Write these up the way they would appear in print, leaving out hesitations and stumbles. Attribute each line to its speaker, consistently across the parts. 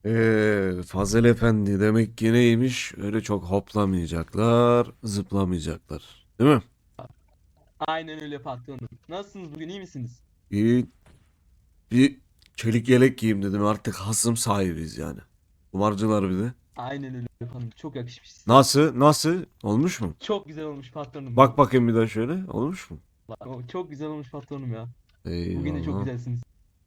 Speaker 1: Fazel Efendi demek ki neymiş? Öyle çok hoplamayacaklar, zıplamayacaklar. Değil mi?
Speaker 2: Aynen öyle patronum. Nasılsınız bugün iyi misiniz?
Speaker 1: İyi, bir çelik yelek giyeyim dedim. Artık hasım sahibiz yani. Kumarcılar bir de.
Speaker 2: Aynen öyle patronum. Çok yakışmış size.
Speaker 1: Nasıl? Nasıl? Olmuş mu?
Speaker 2: Çok güzel olmuş patronum ya.
Speaker 1: Bak bakayım bir daha şöyle. Olmuş mu?
Speaker 2: Çok güzel olmuş patronum ya. Bugün de çok
Speaker 1: Eyvallah.
Speaker 2: güzelsiniz.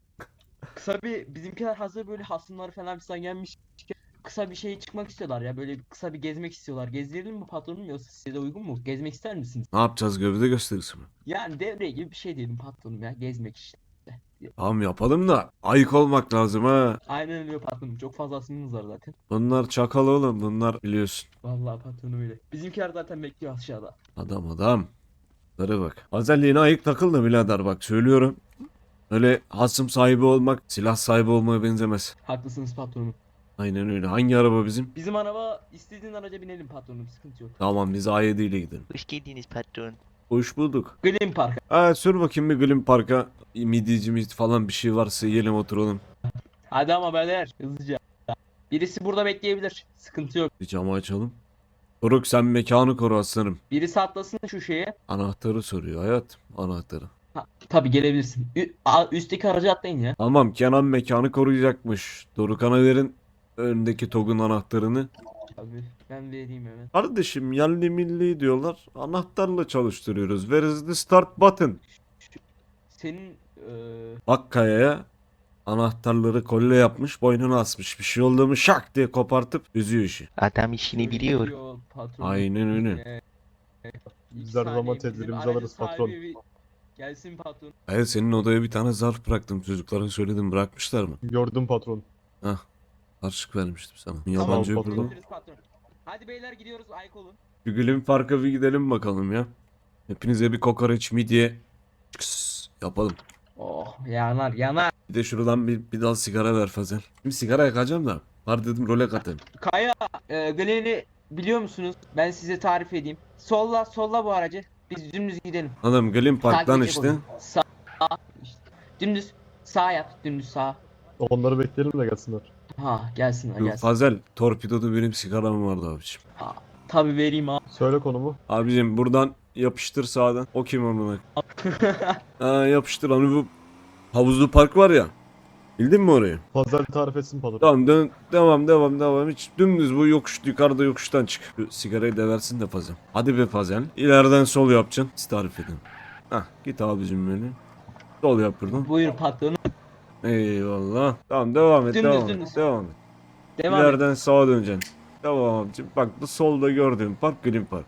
Speaker 2: Kısa bir bizimkiler hazır böyle hasımlar falan filan gelmiş. Kısa bir şey çıkmak istiyorlar ya. Böyle kısa bir gezmek istiyorlar. Gezdirelim mi patronum yoksa size de uygun mu? Gezmek ister misiniz?
Speaker 1: Ne yapacağız, gövde gösterisi mi?
Speaker 2: Yani devre gibi bir şey diyelim patronum ya. Gezmek işte.
Speaker 1: Tamam yapalım da ayık olmak lazım ha.
Speaker 2: Aynen öyle patronum. Çok fazla hasımımız var zaten.
Speaker 1: Bunlar çakal oğlum, bunlar biliyorsun.
Speaker 2: Vallahi patronum öyle. Bizimkiler zaten bekliyor aşağıda.
Speaker 1: Adam adam. Lara bak. Özelliğine ayık takıl da birader, bak söylüyorum. Öyle hasım sahibi olmak silah sahibi olmaya benzemez.
Speaker 2: Haklısınız patronum.
Speaker 1: Aynen öyle. Hangi araba bizim?
Speaker 2: Bizim araba istediğin araca binelim patronum. Sıkıntı yok.
Speaker 1: Tamam, biz A7 ile gidelim.
Speaker 3: Hoş geldiniz patron.
Speaker 1: Hoş bulduk.
Speaker 2: Glen Park.
Speaker 1: Ha, sür bakayım bir Glim Park'a. Midyeci falan bir şey varsa yiyelim, oturalım.
Speaker 2: Hadi ama beyler hızlıca. Birisi burada bekleyebilir. Sıkıntı yok.
Speaker 1: Bir camı açalım. Doruk, sen mekanı koru aslanım.
Speaker 2: Birisi atlasın şu şeye.
Speaker 1: Anahtarı soruyor hayat. Anahtarı.
Speaker 2: Ha, tabii gelebilirsin. Üstteki aracı atlayın ya.
Speaker 1: Tamam, Kenan mekanı koruyacakmış. Dorukhan'a verin öndeki TOG'un anahtarını.
Speaker 2: Tabii ben vereyim hemen.
Speaker 1: Kardeşim, yerli milli diyorlar. Anahtarla çalıştırıyoruz. Where is the start button?
Speaker 2: Senin
Speaker 1: Bak kayaya, anahtarları kolye yapmış, boynuna asmış. Bir şey oldu mu şak diye kopartıp üzüyor işi.
Speaker 3: Adam işini biliyor.
Speaker 2: patron.
Speaker 1: Aynen öyle.
Speaker 4: Biz her zaman tedbirimizi alırız patron.
Speaker 2: Gelsin patron.
Speaker 1: Evet, senin odaya bir tane zarf bıraktım. Çocuklara söyledim, bırakmışlar mı?
Speaker 4: Gördüm patron.
Speaker 1: Hah. Harçlık vermiştim sana.
Speaker 4: Tamam,
Speaker 1: Yabancı
Speaker 4: patron.
Speaker 1: öpürdüm.
Speaker 2: Gidebiliriz patron. Hadi beyler gidiyoruz ayık olun.
Speaker 1: Bir Gülüm Park'a bir gidelim bakalım ya. Hepinize bir kokoreç midye çıks yapalım.
Speaker 2: Oh yanar yanar.
Speaker 1: Bir de şuradan bir dal sigara ver Fazel. Şimdi sigara yakacağım da. Var dedim, role katayım.
Speaker 2: Kaya Glen'i biliyor musunuz? Ben size tarif edeyim. Solla bu aracı. Biz dümdüz gidelim.
Speaker 1: Adam Gülüm Park'tan
Speaker 2: Takip
Speaker 1: işte.
Speaker 2: edecek onu. Sağ işte. Dümdüz sağ yap. Dümdüz sağ.
Speaker 4: Onları bekleyelim de gelsinler.
Speaker 2: Ha gelsin
Speaker 1: Şu
Speaker 2: gelsin.
Speaker 1: Fazel, torpidoda benim sigaram vardı abiciğim.
Speaker 2: Ha, tabii vereyim abi.
Speaker 4: Söyle konumu.
Speaker 1: Abicim buradan yapıştır sağdan. O kim amına? Ha, yapıştır hani bu havuzlu park var ya. Bildin mi orayı?
Speaker 4: Pazar tarif etsin patron.
Speaker 1: Tamam, devam. Hiç dümdüz bu yokuş, yukarıda yokuştan çık. Şu sigarayı da versin de Fazel. Hadi be Fazel. İleriden sol yapacaksın. Siz tarif edin. Hah, git abicim böyle. Sol yap buradan.
Speaker 2: Buyur patronum.
Speaker 1: Eyvallah. Tamam, devam et.
Speaker 2: Dümdüz.
Speaker 1: Devam et.
Speaker 2: Devam et.
Speaker 1: İleriden sağa döneceksin. Tamam abicim. Bak, bu solda gördüğün park Green Park.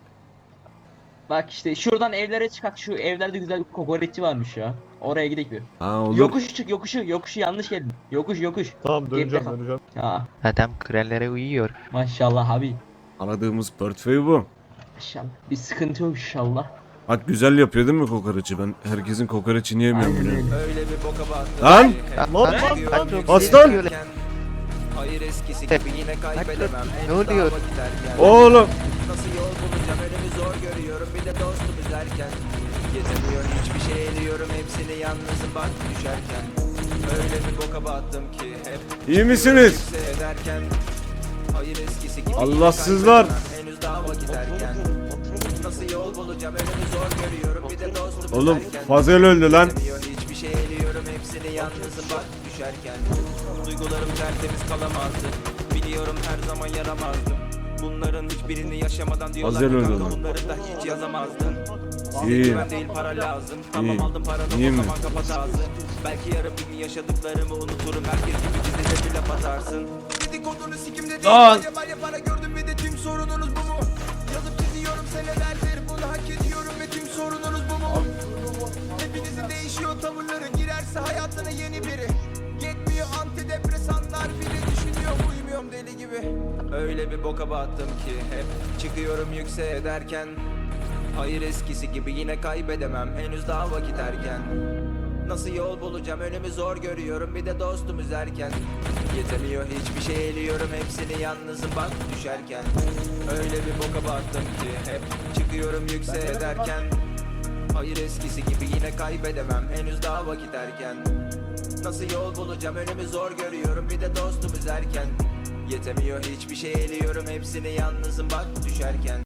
Speaker 2: Bak işte şuradan evlere çıkak. Şu evlerde güzel bir kokoreççi varmış ya. Oraya gidelim bir.
Speaker 1: Ha, olur.
Speaker 2: Yokuş çık yokuşu yanlış geldin. Yokuş.
Speaker 4: Tamam, döneceğim
Speaker 2: Geride kal.
Speaker 4: döneceğim.
Speaker 2: Ha
Speaker 3: Adam krallara uyuyor.
Speaker 2: maşallah abi.
Speaker 1: Aradığımız portföy bu.
Speaker 2: İnşallah. Bir sıkıntı yok inşallah.
Speaker 1: Bak, güzel yapıyor değil mi kokoreçi? Ben herkesin kokoreçini yemiyorum
Speaker 2: Aynen
Speaker 1: biliyorum.
Speaker 2: öyle.
Speaker 5: Öyle bir boka battım.
Speaker 1: Lan!
Speaker 3: Patron,
Speaker 1: Aslan!
Speaker 3: diyorlar.
Speaker 5: Hayır eskisi gibi yine kaybedemem.
Speaker 3: Ne oluyor?
Speaker 1: Oğlum!
Speaker 5: Nasıl yol bulacağım önümü zor görüyorum. Bir de dostum izlerken. Gezemiyor hiçbir şey ediyorum. Hepsini yalnızım bak düşerken. Öyle bir boka battım ki hep
Speaker 1: İyi misiniz?
Speaker 5: ederken. Hayır eskisi gibi
Speaker 1: Allahsızlar!
Speaker 5: yine kaybedemem. Henüz daha vakit erken. Nasıl yol bulacağım önümü zor görüyorum. Bir de dostum
Speaker 1: Oğlum,
Speaker 5: izlerken.
Speaker 1: Fazel öldü lan.
Speaker 5: Gezemiyor hiçbir şey eliyorum. Hepsini yalnızım bak düşerken. Duygularım tertemiz kalamazdı. Biliyorum her zaman yaramazdım. Bunların hiçbirini yaşamadan diyorlar
Speaker 1: Fazel
Speaker 5: ki
Speaker 1: öldü
Speaker 5: kanka
Speaker 1: lan.
Speaker 5: bunları da hiç yazamazdın.
Speaker 1: İyi.
Speaker 5: Güven değil para lazım. Tamam
Speaker 1: İyi.
Speaker 5: aldım paranı
Speaker 1: İyi
Speaker 5: o
Speaker 1: mi?
Speaker 5: zaman kapat ağzı. Belki yarın bir gün yaşadıklarımı unuturum. Herkes gibi bize de bir laf atarsın. Dedikodunu sikimde değil.
Speaker 1: Lan!
Speaker 5: Var ya para gördüm ve de tüm sorununuz bu mu? Yazıp çiziyorum senelerdir bunu hak ediyorum ve tüm sorununuz bu mu? Hepinizin değişiyor tavırları girerse hayatına yeni biri. Yetmiyor antidepresanlar bile düşünüyor uyumuyorum deli gibi. Öyle bir boka battım ki hep çıkıyorum yükseğe derken. Hayır eskisi gibi yine kaybedemem henüz daha vakit erken. Nasıl yol bulacağım önümü zor görüyorum bir de dostum üzerken. Yetemiyor hiçbir şey eliyorum hepsini yalnızım bak düşerken. Öyle bir boka battım ki hep çıkıyorum yükseğe derken. Hayır eskisi gibi yine kaybedemem henüz daha vakit erken. Nasıl yol bulacağım önümü zor görüyorum, bir de dostum üzerken. Yetemiyor hiçbir şey eliyorum, hepsini yalnızım bak düşerken.